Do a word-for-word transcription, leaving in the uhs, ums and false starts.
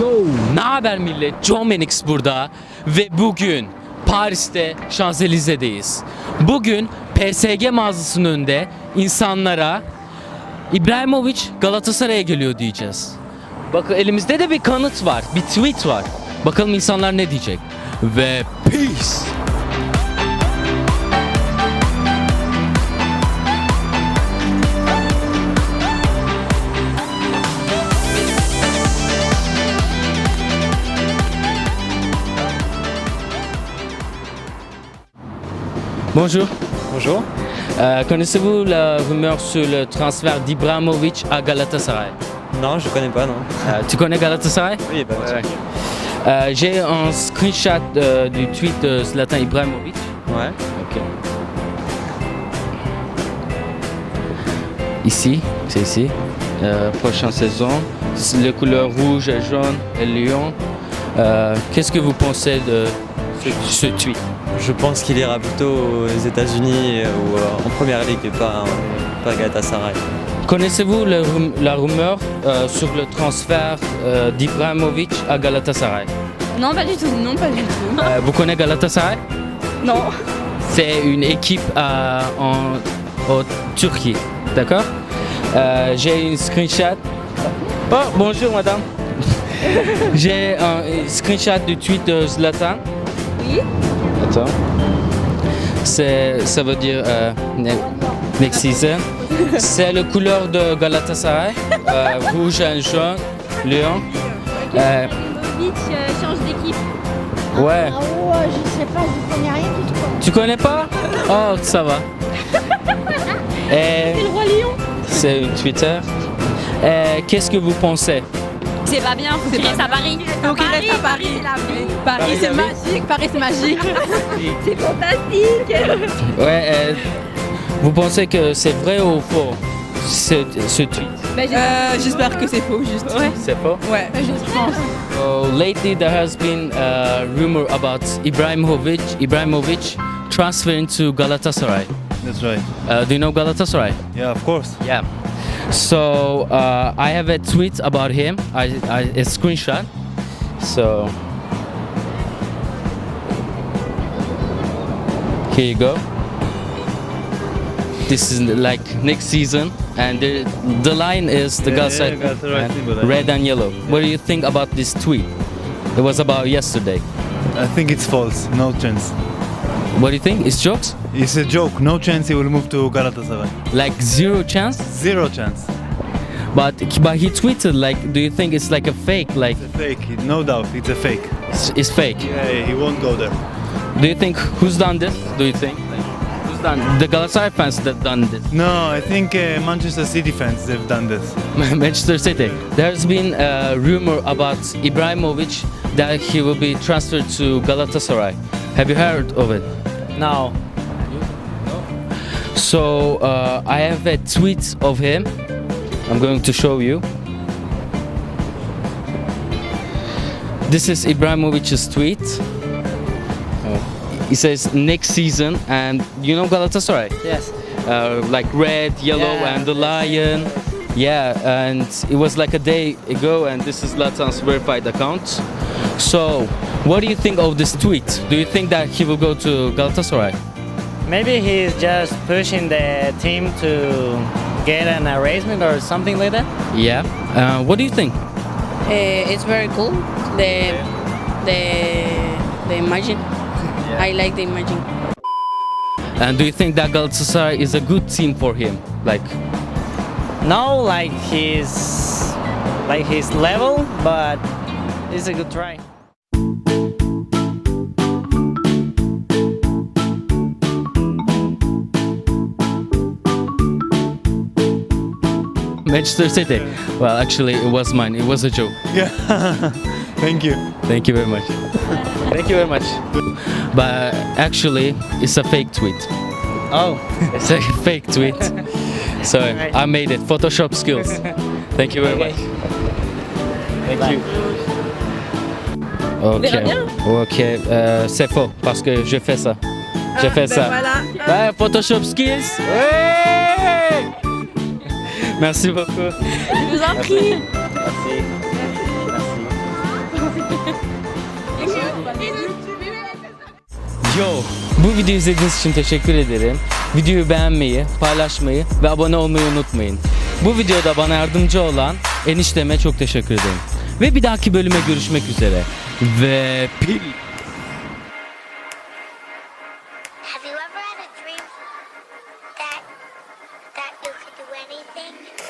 Yo, ne haber millet? John Menix burada ve bugün Paris'te Şanzelize'deyiz. Bugün P S G mağazasının önünde insanlara İbrahimovic Galatasaray'a geliyor diyeceğiz. Bakın elimizde de bir kanıt var, bir tweet var. Bakalım insanlar ne diyecek. Ve peace. Bonjour. Bonjour. Euh, Connaissez-vous la rumeur sur le transfert d'Ibrahimovic à Galatasaray? Non, je connais pas, non. Euh, tu connais Galatasaray? Oui, bah, Ouais. Euh, J'ai un screenshot euh, du tweet de Zlatan Ibrahimovic. ouais. Ok. Ici, c'est ici. Euh, prochaine saison, les couleurs rouge, jaune et lion. Euh, Qu'est-ce que vous pensez de ce, ce tweet? Je pense qu'il ira plutôt aux États-Unis ou euh, en première ligue et pas, pas à Galatasaray. Connaissez-vous le rum- la rumeur euh, sur le transfert euh, d'Ibrahimovic à Galatasaray? Non, pas du tout. Non, pas du tout. Euh, vous connaissez Galatasaray? Non. C'est une équipe euh, en, en Turquie, d'accord? Euh, J'ai une screenshot. Oh, bonjour madame. J'ai un screenshot du tweet de Zlatan. Oui. Attends. C'est, ça veut dire euh, ne- next season. C'est la couleur de Galatasaray, euh, rouge et jaune, lion. Euh, Ibrahimovic euh, change d'équipe. ouais. Ah ouais, je sais pas, je connais rien du tout. Tu connais pas? Oh, ça va. Et C'est le roi lion. c'est une Twitter. Et qu'est-ce que vous pensez? C'est pas bien, faut qu'il reste à Paris. Faut qu'il reste à Paris. Paris, Paris, c'est la vie. magique. Paris, c'est magique. C'est fantastique. Ouais. euh, vous pensez que c'est vrai ou faux ce, ce tweet? Euh, J'espère que c'est faux, juste. Ouais. C'est faux. Ouais, je pense. So lately there has been a rumor about Ibrahimovic, Ibrahimovic transferring to Galatasaray. That's right. Uh, do you know Galatasaray? Yeah, of course. Yeah. So uh, I have a tweet about him. I, I a screenshot. So here you go. This is like next season, and the, the line is the Yeah, Galatasaray yeah, Galatasaray and symbol, I red and yellow. What do you think about this tweet? It was about yesterday. I think it's false. No chance. What do you think? It's jokes? It's a joke. No chance he will move to Galatasaray. Like zero chance? Zero chance. But but he tweeted like, do you think it's like a fake? Like It's a fake. No doubt. It's a fake. it's, it's fake? Yeah, he won't go there. Do you think who's done this? Do you think who's done the Galatasaray fans that done this? No, I think uh, Manchester City fans they've done this. Manchester City. There's been a rumor about Ibrahimovic that he will be transferred to Galatasaray. Have you heard of it? Non. So uh, I have a tweet of him. I'm going to show you. This is Ibrahimovic's tweet. He says next season, and you know Galatasaray? Yes. Uh, like red, yellow, Yeah. and the lion. Yeah, and it was like a day ago, and this is Latan's verified account. So, what do you think of this tweet? Do you think that he will go to Galatasaray? Maybe he's just pushing the team to get an arrangement or something like that. Yeah. Uh, what do you think? Uh, it's very cool. The the the imagine. I like the imagine. And do you think that Galatasaray is a good team for him? Like, No, like he's like his level, but it's a good try. Manchester City. Well, actually, it was mine. It was a joke. Yeah. Thank you. Thank you very much. Thank you very much. But actually, it's a fake tweet. Oh, It's a fake tweet. So Alright. I made it. Photoshop skills. Thank you very Okay. much. Thank Bye. you. verra Ok. bien. Ok. Euh, c'est faux parce que je fais ça. Je fais ça. Voilà. Ouais, Photoshop skills. Ouais. Merci beaucoup. Je vous en prie. Merci. Merci. Yo, bu videoyu izlediğiniz için teşekkür ederim. Videoyu beğenmeyi, paylaşmayı ve abone olmayı unutmayın. Bu videoda bana yardımcı olan enişteme çok teşekkür ederim. Ve bir dahaki bölüme görüşmek üzere. Ve pil. Have you ever had a dream that that you could do anything?